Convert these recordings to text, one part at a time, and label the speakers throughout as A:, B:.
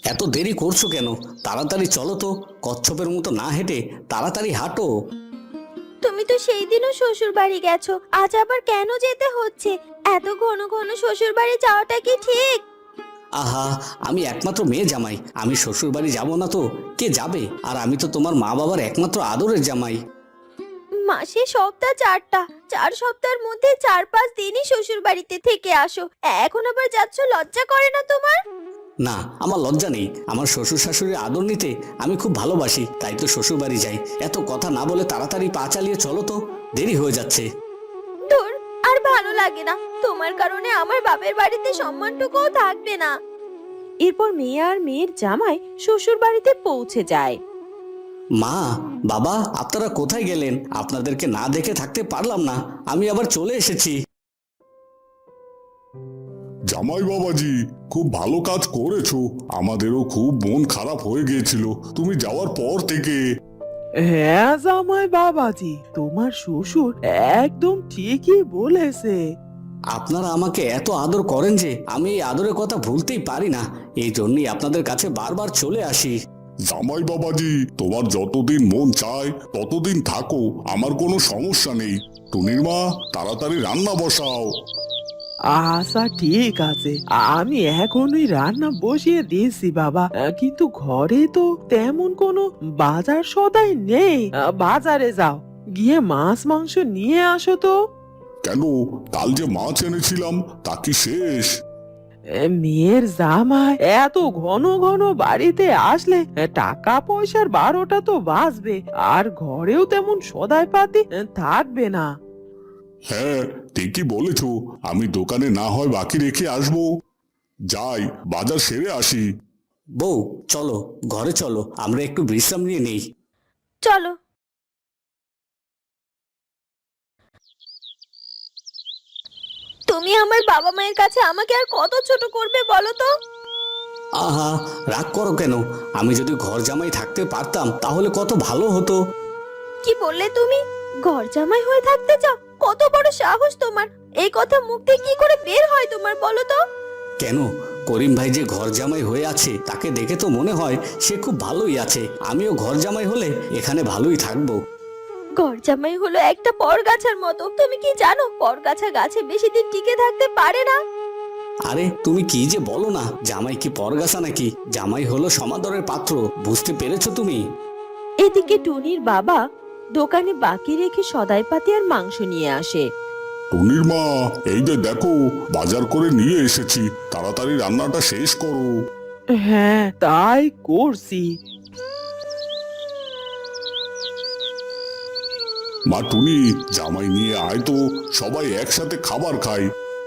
A: এত দেরি করছো কেন? তাড়াতাড়ি চলো তো, কচ্ছপের মতো না হেঁটে তাড়াতাড়ি হাঁটো।
B: তুমি তো সেই দিনও শ্বশুর বাড়ি গেছো, আজ আবার কেন যেতে হচ্ছে? এত ঘন ঘন শ্বশুর বাড়ি যাওয়াটা কি ঠিক?
A: আহা, আমি একমাত্র মেয়ে জামাই, আমি শ্বশুর বাড়ি যাবো না তো কে যাবে? আর আমি তো তোমার মা বাবার একমাত্র আদরের জামাই।
B: মাসে সপ্তাহ 4টা, 4 সপ্তাহের মধ্যে 4-5 দিনই শ্বশুর বাড়িতে থেকে আসো, এখন আবার যাচ্ছ, লজ্জা করে না তোমার?
A: না, আমার লজ্জা নেই। আমার শ্বশুর শাশুড়ির আদর নিতে আমি খুব ভালোবাসি, তাই তো শ্বশুর বাড়ি যাই। এত কথা না বলে তাড়াতাড়ি পা চালিয়ে চলো তো, দেরি হয়ে যাচ্ছে।
B: ধুর, আর ভালো লাগে না, তোমার কারণে আমার বাপের বাড়িতে সম্মানটুকুও থাকবে না। এরপর মেয়ে আর মেয়ের জামাই শ্বশুর বাড়িতে পৌঁছে যায়।
A: মা, বাবা, আপনারা কোথায় গেলেন? আপনাদেরকে না দেখে থাকতে পারলাম না, আমি আবার চলে এসেছি।
C: জামাই বাবাজি, খুব ভালো কাজ করেছো। আমাদেরও খুব মন খারাপ হয়ে গিয়েছিল তুমি যাওয়ার পর থেকে।
D: হ্যাঁ জামাই বাবাজি, তোমার শ্বশুর একদম ঠিকই বলেছে।
A: আপনারা আমাকে এত আদর করেন যে আমি এই আদরের কথা ভুলতেই পারি না। এই জন্যই আপনাদের কাছে বারবার চলে আসি।
C: জামাই বাবাজি, তোমার যতদিন মন চায় ততদিন থাকো, আমার কোনো সমস্যা নেই। টুনির মা, তাড়াতাড়ি রান্না বসাও।
D: আচ্ছা ঠিক আছে, আমি এখনই রান্না বসিয়ে দিয়েছি বাবা। কিন্তু ঘরে তো তেমন কোনো বাজার সদাই নেই। বাজারে যাও, গিয়ে মাছ মাংস নিয়ে আসো তো।
C: কেন, কাল যে মাছ এনেছিলাম তা কি শেষ?
D: মেয়ের জামাই এত ঘন ঘন বাড়িতে আসলে টাকা পয়সার 12টা তো বাজবে, আর ঘরেও তেমন সদাই পাতি থাকবে না।
C: হ্যাঁ, ঠিকই বলেছ। আমি দোকানে না হয় বাকি রেখে আসবো। যাই, বাজার সেরে আসি।
A: বউ, চলো ঘরে চলো, আমরা একটু বিশ্রাম নিয়ে নেই।
B: চলো। তুমি আমার বাবা মায়ের কাছে আমাকে আর কত ছোট করবে বলো তো?
A: আহা, রাগ করো কেন? আমি যদি ঘর জামাই থাকতে পারতাম তাহলে কত ভালো হতো।
B: কি বললে তুমি? ঘর জামাই হয়ে থাকতে চাও? কত বড় সাহস তোমার! এই কথা মুখ দিয়ে কি করে বের হয় তোমার, বলো তো?
A: কেন, করিম ভাই যে ঘর জামাই হয়ে আছে তাকে দেখে তো মনে হয় সে খুব ভালোই আছে। আমিও ঘর জামাই হলে এখানে ভালোই থাকবো।
B: ঘর জামাই হলো একটা পরগাছার মতো, তুমি কি জানো পরগাছা গাছে বেশি দিন টিকে থাকতে পারে না?
A: আরে তুমি কি যে বলো না, জামাই কি পরগাছা নাকি? জামাই হলো সমাদরের পাত্র, বুঝতে পেরেছো তুমি?
B: এদিকে টুনির বাবা দোকানে বাকি রেখে সদাইপাতি আর মাংস নিয়ে আসে।
C: টুনির মা, এই যে দেখো, বাজার করে নিয়ে এসেছি, তাড়াতাড়ি রান্নাটা শেষ করো।
D: হ্যাঁ তাই করছি।
C: মা টুনি, জামাই নিয়ে আয় তো, সবাই একসাথে খাবার খাই।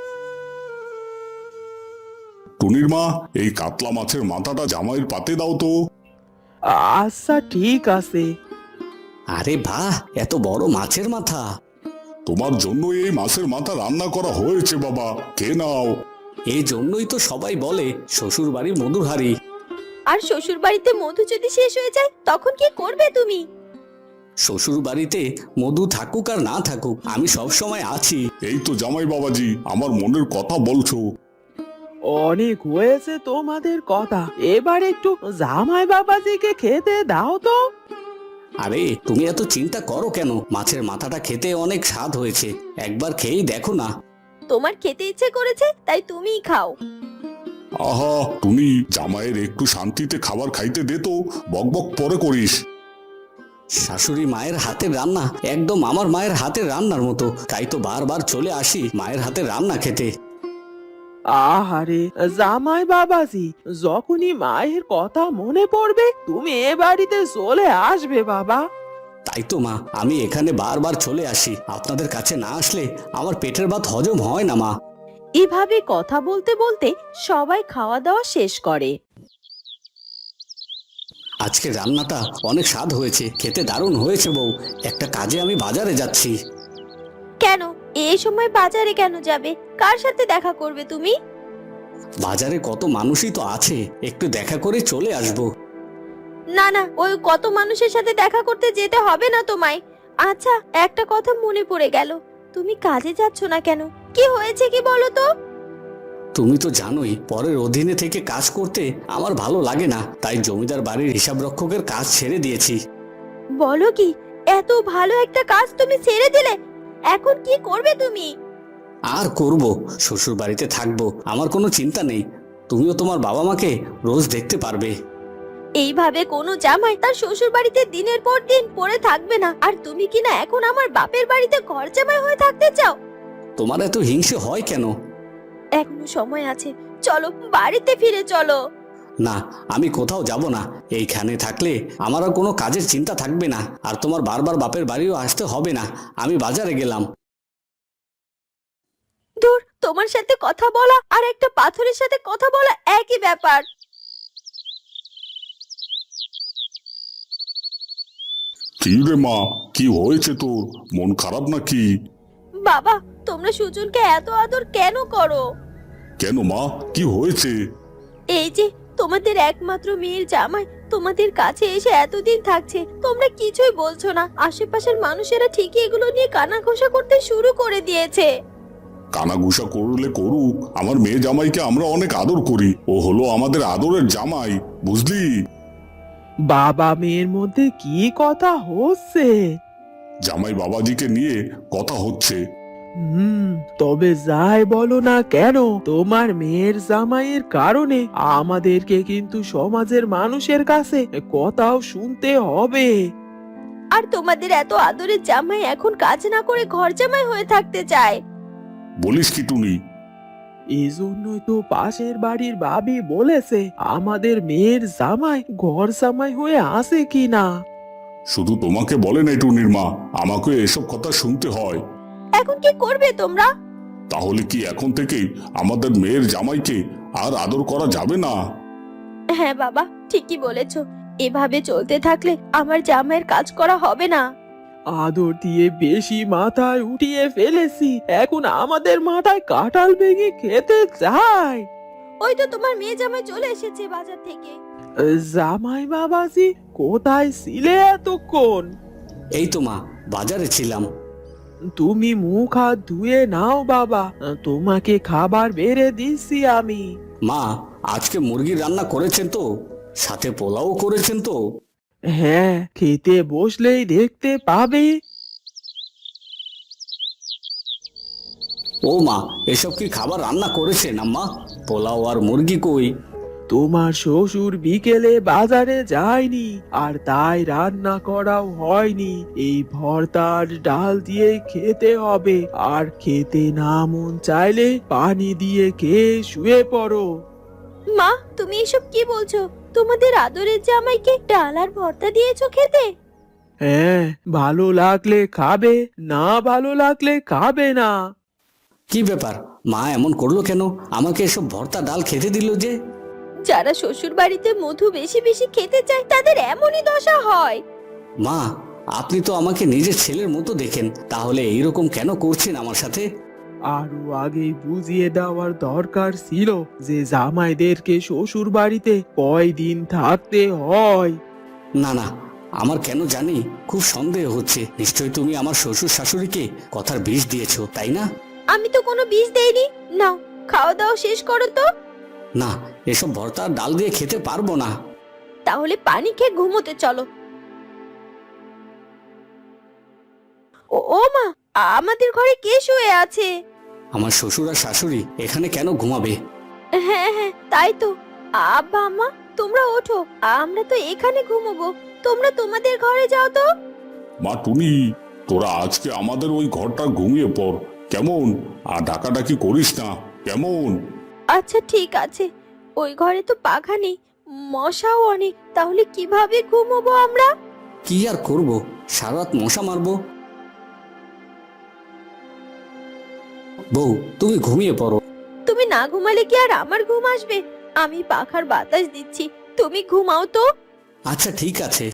C: টুনির মা, এই কাতলা মাছের মাথাটা জামাইয়ের পাতে দাও তো।
D: আচ্ছা ঠিক আছে।
A: আরে বাহ, এত বড় মাছের মাথা!
C: তোমার জন্য এই মাছের মাথা রান্না করা হয়েছে বাবা, কে নাও।
A: এই জন্যই তো সবাই বলে শ্বশুর বাড়ির মধুর হাঁড়ি।
B: আর শ্বশুর বাড়িতে মধু যদি শেষ হয়ে যায় তখন কি করবে তুমি?
A: শ্বশুর বাড়িতে মধু থাকুক আর না থাকুক, আমি সব সময় আছি।
C: এই তো জামাই বাবাজি, আমার মনের কথা বলছো।
D: অনেক হয়েছে তোমাদের কথা, এবার একটু জামাই বাবাজিকে খেতে দাও তো।
A: আরে তুমি এত চিন্তা করো কেন? মাছের মাথাটা খেতে অনেক স্বাদ হয়েছে, একবার খেয়েই দেখো না।
B: তোমার খেতে ইচ্ছে করেছে তাই তুমিই খাও।
C: আহা টুনি, জামাইয়ের একটু শান্তিতে খাবার খাইতে দে তো, বকবক পরে করিস।
A: শাশুড়ি মায়ের হাতের রান্না একদম আমার মায়ের হাতের রান্নার মতো, তাই তো বারবার চলে আসি মায়ের হাতের রান্না খেতে।
D: আহারে জামাই বাবাজি, যখনই মায়ের কথা মনে পড়বে তুমি এ বাড়িতে চলে আসবে বাবা।
A: তাই তো মা, আমি এখানে বারবার চলে আসি। আপনাদের কাছে না আসলে আমার পেটের ভাত হজম হয় না মা।
B: এভাবে কথা বলতে বলতে সবাই খাওয়া দাওয়া শেষ করে।
A: আজকে রান্নাটা অনেক স্বাদ হয়েছে, খেতে দারুণ হয়েছে বউ। একটা কাজে আমি বাজারে যাচ্ছি।
B: কেন এই সময় বাজারে কেন যাবে? কার সাথে দেখা করবে তুমি?
A: বাজারে কত মানুষই তো আছে, একটু দেখা করে চলে আসবো।
B: না না, ওই কত মানুষের সাথে দেখা করতে যেতে হবে না তোমায়। আচ্ছা, একটা কথা মনে পড়ে গেল, তুমি কাজে যাচ্ছ না কেন? কি হয়েছে কি বলো তো?
A: তুমি তো জানোই পরের অধীনে থেকে কাজ করতে আমার ভালো লাগে না, তাই জমিদার বাড়ির হিসাব রক্ষকের কাজ ছেড়ে দিয়েছি।
B: বলো কি, এত ভালো একটা কাজ তুমি ছেড়ে দিলে? এখন কি করবে তুমি?
A: আর করব, শ্বশুর বাড়িতে থাকবো, আমার কোনো চিন্তা নেই। তুমিও তোমার বাবা মাকে রোজ দেখতে পারবে।
B: এইভাবে কোনো জামাই তার শ্বশুর বাড়িতে দিনের পর দিন পড়ে থাকবে না। আর তুমি কি না এখন আমার বাপের বাড়িতে ঘর জামাই হয়ে থাকতে চাও?
A: তোমার এত হিংসে হয় কেন?
B: এখনো সময় আছে, চলো বাড়িতে ফিরে চলো।
A: না, আমি কোথাও যাব না। এইখানে থাকলে আমার আর কোনো কাজের চিন্তা থাকবে না, আর তোমার বারবার বাপের বাড়িও আসতে হবে না। আমি বাজারে গেলাম।
B: দূর, তোমার সাথে কথা বলা আর একটা পাথরের সাথে কথা বলা একই ব্যাপার।
C: কি রে মা, কি হয়েছে তোর? মন খারাপ নাকি?
B: বাবা, তোমরা সুজনকে এত আদর কেন করো?
C: কেন মা, কি হয়েছে?
B: এই যে তোমাদের একমাত্র মেয়ের জামাই তোমাদের কাছে এসে এতদিন থাকছে, তোমরা কিছুই বলছো না। আশেপাশের মানুষেরা ঠিকই এগুলো নিয়ে কানাঘষা করতে শুরু করে দিয়েছে।
C: কানাঘুষা করলে করুক, আমার মেয়ে জামাইকে আমরা অনেক আদর করি। ও হলো আমাদের আদরের জামাই, বুঝলি?
D: বাবা মেয়ের মধ্যে কি কথা হচ্ছে?
C: জামাই বাবাজিকে নিয়ে কথা হচ্ছে।
D: তবে যাই বলো না কেন, তোমার মেয়ের জামাইয়ের কারণে আমাদেরকে কিন্তু সমাজের মানুষের কাছে কথাও শুনতে হবে।
B: আর তোমাদের এত আদরের জামাই এখন কাজ না করে ঘর জামাই হয়ে থাকতে চায়।
C: বলিস কি টুনি?
D: এজন্যই তো পাশের বাড়ির ভাবি বলেছে আমাদের মেয়ের জামাই ঘর জামাই হয়ে আসে কিনা।
C: শুধু তোমাকে বলে নাই টুনির মা, আমাকে এসব কথা শুনতে হয়।
B: এখন কি করবে তোমরা?
C: তাহলে কি এখন থেকেই আমাদের মেয়ের জামাইকে আর আদর করা যাবে না?
B: হ্যাঁ বাবা, ঠিকই বলেছো। এভাবে চলতে থাকলে আমার জামাইয়ের কাজ করা হবে না।
D: আদর দিয়ে বেশি মাথায় উঠিয়ে ফেলেছি, এখন আমাদের মাথায় কাঁঠাল ভেঙে খেতে চাই।
B: ওই তো তোমার মেয়ে জামাই চলে এসেছে বাজার থেকে।
D: জামাই বাবাজি, কোথায় ছিলে এতক্ষণ?
A: এই তো মা, বাজারে ছিলাম।
D: তুমি মুখ হাত ধুয়ে নাও বাবা, তোমাকে খাবার বেড়ে দিচ্ছি আমি।
A: মা, আজকে মুরগির রান্না করেছেন তো? সাথে পোলাও করেছেন তো?
D: হ্যাঁ, খেতে বসলেই দেখতে পাবে।
A: ও মা, এসব কি খাবার রান্না করেছেন আম্মা? পোলাও আর মুরগি কই?
D: তোমার শ্বশুর বিকেলে বাজারে যায়নি, আর তাই রান্না করাও হয়নি। এই ভর্তার ডাল দিয়ে খেতে হবে, আর খেতে না মন চাইলে পানি দিয়ে খেয়ে শুয়ে পড়ো।
B: মা, তুমি এসব কি বলছো? তোমাদের আদরের জামাইকে ডাল আর ভর্তা দিয়েছো খেতে?
D: হ্যাঁ, ভালো লাগলে খাবে, না ভালো লাগলে খাবে না।
A: কি ব্যাপার, মা এমন করলো কেন? আমাকে এসব ভর্তা ডাল খেতে দিল যে?
B: যারা শ্বশুর বাড়িতে মধু বেশি বেশি খেতে চায় তাদের এমনই দশা হয়।
A: মা, আপনি তো আমাকে নিজের ছেলের মতো দেখেন, তাহলে এইরকম কেন করছেন আমার সাথে?
D: আরো আগেই বুঝিয়ে দেওয়ার দরকার ছিল যে জামাইদেরকে শ্বশুর বাড়িতে কয়দিন থাকতে হয়।
A: না না, আমার কেন জানি খুব সন্দেহ হচ্ছে। নিশ্চয়ই তুমি আমার শ্বশুর শাশুড়িকে কথার বিষ দিয়েছো, তাই না?
B: আমি তো কোনো বিষ দেইনি। নাও, খাওয়া দাওয়া শেষ করো তো।
A: না, এসব ভর্তা আর ডাল দিয়ে খেতে পারবো না।
B: তাহলে পানি খেয়ে ঘুমোতে চলো। ও মা, আমাদের ঘরে কে শুয়ে আছে?
A: আমার শ্বশুর আর শাশুড়ি এখানে কেন ঘুমাবে?
B: হ্যাঁ হ্যাঁ, তাই তো। আব্বা আম্মা, তোমরা ওঠো, আমরা তো এখানে ঘুমোবো। তোমরা তোমাদের ঘরে যাও তো।
C: মা টুনি, তোরা আজকে আমাদের ওই ঘরটা ঘুমিয়ে পড়, কেমন? আর ডাকাডাকি করিস না, কেমন?
B: আচ্ছা ঠিক আছে। ওই ঘরে তো পাখা নেই, মশাও অনেক, তাহলে কিভাবে ঘুমোবো আমরা?
A: কি আর করব, সারা রাত মশা মারবো। বউ, তুমি ঘুমিয়ে পড়ো।
B: তুমি না ঘুমালে কি আর আমার ঘুম আসবে? আমি পাখার বাতাস দিচ্ছি, তুমি ঘুমাও তো।
A: আচ্ছা ঠিক আছে।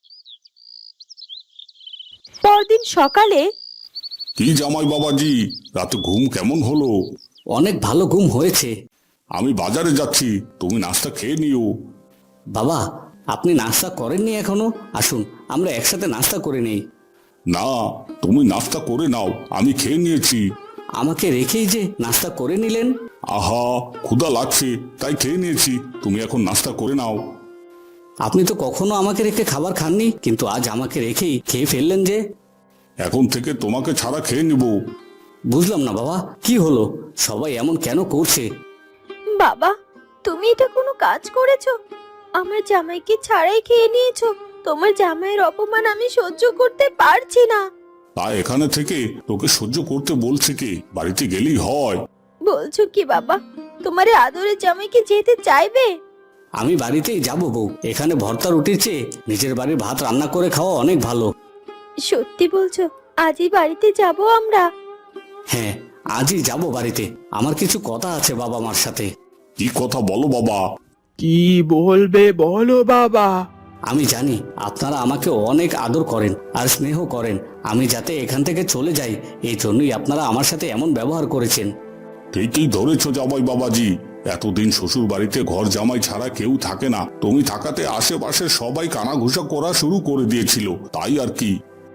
B: পরদিন সকালে
C: কি জামাই বাবাজি, রাতে ঘুম কেমন হলো?
A: অনেক ভালো ঘুম হয়েছে।
C: আমি বাজারে যাচ্ছি, তুমি নাস্তা খেয়ে নিও।
A: বাবা, আপনি নাস্তা করেননি এখনো? আসুন, আমরা একসাথে নাস্তা করে নেই।
C: না, তুমি নাস্তা করে নাও, আমি খেয়ে নিয়েছি।
A: আমাকে রেখেই যে নাস্তা করে নিলেন।
C: আহা, ক্ষুধা লাগছে তাই খেয়ে নিয়েছি, তুমি এখন নাস্তা করে নাও।
A: আপনি তো কখনো আমাকে রেখে খাবার খাননি, কিন্তু আজ আমাকে রেখেই খেয়ে ফেললেন যে।
C: এখন থেকে তোমাকে ছাড়া খেয়ে নিব।
A: বুঝলাম না বাবা, কি হলো, সবাই এমন কেন করছে?
B: বাবা, তুমি এটা কোনো কাজ করেছো? আমার জামাইকে ছাড়াই খেয়ে নিয়েছো। তোমার জামাইয়ের অপমান আমি সহ্য করতে পারছি না।
C: তা এখানে থেকে তোকে সহ্য করতে বলছে কে? বাড়িতে গেলেই হয়।
B: বলছো কি বাবা? তোমার এই আদরের জামাইকে যেতে চাইবে?
A: আমি বাড়িতেই যাবো বউ, এখানে ভর্তা রুটির চেয়ে নিজের বাড়ির ভাত রান্না করে খাওয়া অনেক ভালো।
B: সত্যি বলছো? আজই বাড়িতে যাব আমরা?
A: হ্যাঁ, আজই যাব বাড়িতে। আমার কিছু কথা আছে বাবা মার সাথে।
C: কি কথা বলো বাবা?
D: কি বলবে বলো বাবা।
A: আমি জানি আপনারা আমাকে অনেক আদর করেন আর স্নেহ করেন। আমি যাতে এখান থেকে চলে যাই, এই জন্যই আপনারা আমার সাথে এমন ব্যবহার করেছেন।
C: ঠিকই ধরেছ জামাই বাবাজি, এতদিন শ্বশুর বাড়িতে ঘর জামাই ছাড়া কেউ থাকে না, তুমি থাকাতে আশেপাশে সবাই কানাঘুষা করা শুরু করে দিয়েছিল, তাই আর কি।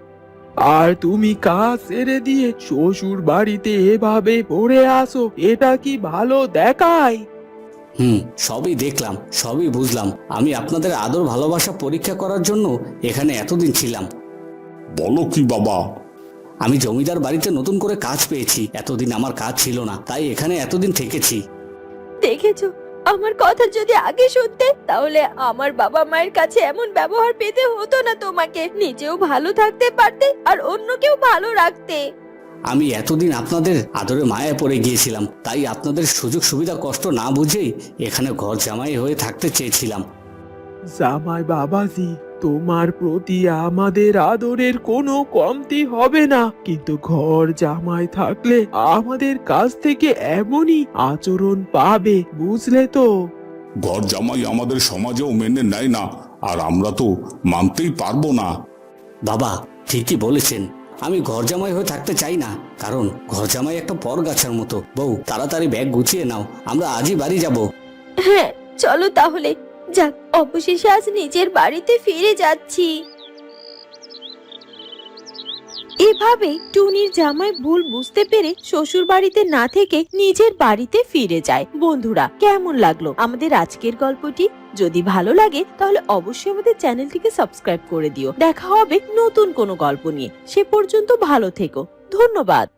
D: আর তুমি কাজ ছেড়ে দিয়ে শ্বশুর বাড়িতে এভাবে পড়ে আসো, এটা কি ভালো দেখায়?
A: সবই দেখলাম, সবই বুঝলাম। আমি আপনাদের আদর ভালোবাসা পরীক্ষা করার জন্য এখানে এতদিন ছিলাম।
C: বলো কি বাবা?
A: আমি জমিদার বাড়িতে নতুন করে কাজ পেয়েছি, এতদিন আমার কাজ ছিল না, তাই এখানে এতদিন থেকেছি।
B: দেখেছো, আমার কথা যদি আগে শুনতে, তাহলে আমার বাবা মায়ের কাছে এমন ব্যবহার পেতে হতো না। তোমাকে নিজেও ভালো থাকতে পারতে আর অন্যকেও ভালো রাখতে।
A: আমি এতদিন আপনাদের আদরে মায়ায় পড়ে গিয়েছিলাম, তাই আপনাদের সুযোগ সুবিধা কষ্ট না বুঝেই এখানে ঘর জামাই হয়ে থাকতে চেয়েছিলাম।
D: জামাই বাবাজি, তোমার প্রতি আমাদের আদরের কোনো কমতি হবে না, কিন্তু ঘর জামাই থাকলে আমাদের কাছ থেকে এমনই আচরণ পাবে, বুঝলে তো?
C: ঘর জামাই আমাদের সমাজেও মেনে নেয় না, আর আমরা তো মানতেই পারবো না।
A: বাবা ঠিকই বলেছেন, আমি ঘর জামাই হয়ে থাকতে চাই না, কারণ ঘর জামাই একটা পরগাছার মতো। বউ, তাড়াতাড়ি ব্যাগ গুছিয়ে নাও, আমরা আজই বাড়ি যাব।
B: হ্যাঁ, চলো তাহলে। যাক, অবশেষে আজ নিজের বাড়িতে ফিরে যাচ্ছি। এভাবে টুনির জামাই ভুল বুঝতে পেরে শ্বশুর বাড়িতে না থেকে নিজের বাড়িতে ফিরে যায়। বন্ধুরা, কেমন লাগলো আমাদের আজকের গল্পটি? যদি ভালো লাগে তাহলে অবশ্যই আমাদের চ্যানেলটিকে সাবস্ক্রাইব করে দিও। দেখা হবে নতুন কোনো গল্প নিয়ে। সে পর্যন্ত ভালো থেকো। ধন্যবাদ।